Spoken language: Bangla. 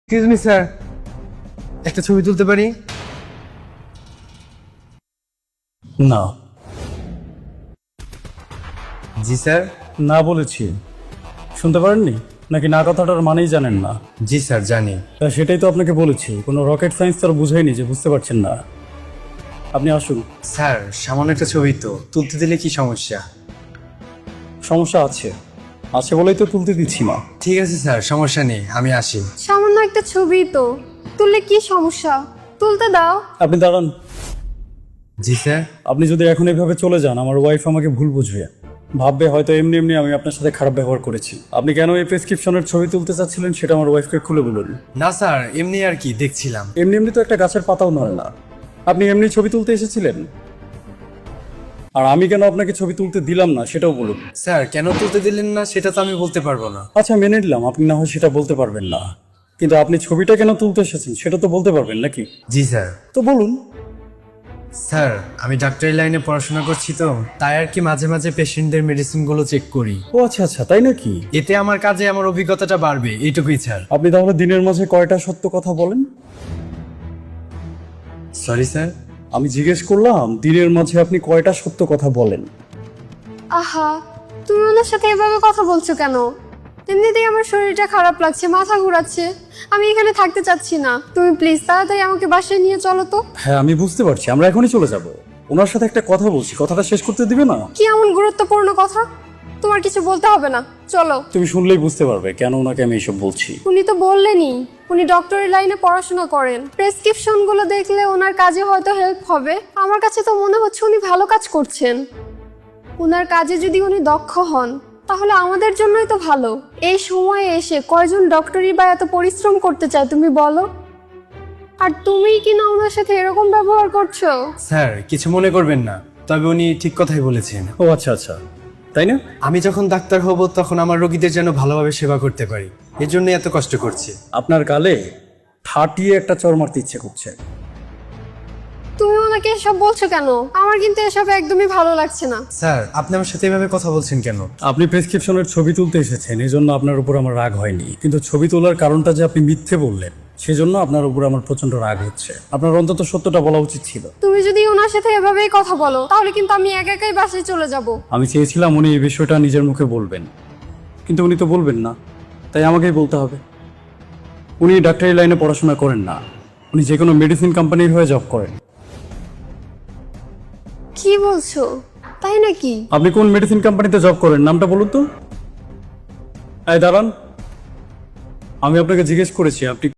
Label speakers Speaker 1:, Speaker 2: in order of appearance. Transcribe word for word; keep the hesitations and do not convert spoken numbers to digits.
Speaker 1: এক্সকিউজ মি স্যার, একটা ছবি তুলতে পারি?
Speaker 2: না।
Speaker 1: জি স্যার।
Speaker 2: না বলেছি, শুনতে পারেননি নাকি? না কথাটার মানেই জানেন না?
Speaker 1: জি স্যার জানি।
Speaker 2: তা সেটাই তো আপনাকে বলেছি, কোনো রকেট সায়েন্স তার বুঝাইনি যে বুঝতে পারছেন না। আপনি আসুন।
Speaker 1: স্যার সামান্য একটা ছবি তো, তুলতে দিলে কি সমস্যা?
Speaker 2: সমস্যা আছে, আছে বলেই তো তুলতে দিচ্ছি না।
Speaker 1: ঠিক আছে স্যার, সমস্যা নেই, আমি আসি।
Speaker 3: সামান্য একটা ছবি তো, তুললে কি সমস্যা? তুলতে দাও।
Speaker 2: আপনি দাঁড়ান।
Speaker 1: জি স্যার।
Speaker 2: আপনি যদি এখন এভাবে চলে যান, আমার ওয়াইফ আমাকে ভুল বুঝবে, ভাববে হয়তো এমনি এমনি আমি আপনার সাথে খারাপ ব্যবহার করেছি। আপনি কেন এই প্রেসক্রিপশনের ছবি তুলতে চাচ্ছিলেন সেটা আমার ওয়াইফকে খুলে বলুন।
Speaker 1: না স্যার, এমনি আর কি দেখছিলাম।
Speaker 2: এমনি এমনি তো একটা গাছের পাতাও নড়ে না। আপনি এমনি ছবি তুলতে এসেছিলেন, আর আমি কেন আপনাকে ছবি তুলতে দিলাম না সেটাও বলুন।
Speaker 1: স্যার কেন তুলতে দিলেন না সেটা তো আমি বলতে পারবো না।
Speaker 2: আচ্ছা মেনে নিলাম আপনি না হয় সেটা বলতে পারবেন না, কিন্তু আপনি ছবিটা কেন তুলতে এসেছেন সেটা তো বলতে পারবেন নাকি?
Speaker 1: জি স্যার।
Speaker 2: তো বলুন।
Speaker 1: স্যার আমি ডাক্তারি লাইনে পড়াশোনা করছি তো, তাই আর কি মাঝে মাঝে পেশেন্টদের মেডিসিনগুলো চেক করি।
Speaker 2: ও আচ্ছা আচ্ছা, তাই নাকি?
Speaker 1: এতে আমার কাজে আমার অভিজ্ঞতাটা বাড়বে, এইটুকুই স্যার।
Speaker 2: আপনি তাহলে দিনের মাঝে কয়টা সত্য কথা বলেন?
Speaker 1: Sorry sir.
Speaker 2: আমি জিজ্ঞেস করলাম দিনের মাঝে আপনি কয়টা সত্য কথা বলেন?
Speaker 3: আহা, তুমি ওনার সাথে এভাবে কথা বলছো কেন? এমনিতেই আমার শরীরটা খারাপ লাগছে, মাথা ঘোরাচ্ছে, আমি এখানে থাকতে চাচ্ছি না। তুমি প্লিজ তাড়াতাড়ি আমাকে বাসায় নিয়ে চলো তো।
Speaker 2: হ্যাঁ আমি বুঝতে পারছি, আমরা এখনই চলে যাব। ওনার সাথে একটা কথা বলছি, কথাটা শেষ করতে দিবে না?
Speaker 3: কি এমন গুরুত্বপূর্ণ কথা? তোমার কিছু বলতে হবে না, চলো।
Speaker 2: তুমি শুনলেই বুঝতে পারবে কেন ওনাকে আমি এসব বলছি।
Speaker 3: উনি তো বললেনই উনি ডক্টরি লাইনে পড়াশোনা করেন, প্রেসক্রিপশন গুলো দেখলে ওনার কাজে হয়তো হেল্প হবে। আমার কাছে তো মনে হচ্ছে উনি ভালো কাজ করছেন। ওনার কাজে যদি উনি দক্ষ হন তাহলে আমাদের জন্যই তো ভালো। এই সময়ে এসে কয়জন ডক্টরি বা এত পরিশ্রম করতে চায় তুমি বলো? আর তুমি কি না ওনার সাথে এরকম ব্যবহার করছো?
Speaker 1: স্যার কিছু মনে করবেন না, তবে উনি ঠিক কথাই বলেছেন।
Speaker 2: ও আচ্ছা আচ্ছা, তাই না?
Speaker 1: আমি যখন ডাক্তার হব তখন আমার রোগীদের যেন ভালোভাবে সেবা করতে পারি, এর জন্য এত কষ্ট করছি।
Speaker 2: আপনার গালে ঠাটিয়ে একটা চর মারতে ইচ্ছে করছে।
Speaker 3: তুমি ওনাকে এসব বলছো কেন? আমার কিন্তু এসব একদমই ভালো লাগছে না।
Speaker 1: স্যার আপনি আমার সাথে এভাবে কথা বলছেন কেন?
Speaker 2: আপনি প্রেসক্রিপশনের ছবি তুলতে এসেছেন, এই জন্য আপনার উপর আমার রাগ হয়নি, কিন্তু ছবি তোলার কারণটা যে আপনি মিথ্যে বললেন সেজন্য আপনার উপর আমার প্রচন্ড রাগ হচ্ছে। আপনার অন্তত সত্যটা বলা উচিত ছিল।
Speaker 3: তুমি যদি ওনার সাথে এভাবেই কথা বলো তাহলে কিন্তু আমি একা একাই বাসায় চলে যাব।
Speaker 2: আমি চেয়েছিলাম উনি এই বিষয়টা নিজের মুখে বলবেন, কিন্তু উনি তো বলবেন না, তাই আমাকেই বলতে হবে। উনি ডাক্তারি লাইনে পড়াশোনা করেন না, উনি যে কোনো মেডিসিন কোম্পানির হয়ে জব করেন।
Speaker 3: কি বলছো? তাই নাকি?
Speaker 2: আপনি কোন মেডিসিন কোম্পানিতে জব করেন নামটা বলুন তো। এই দাঁড়ান, আমি আপনাকে জিজ্ঞেস করেছি আপনি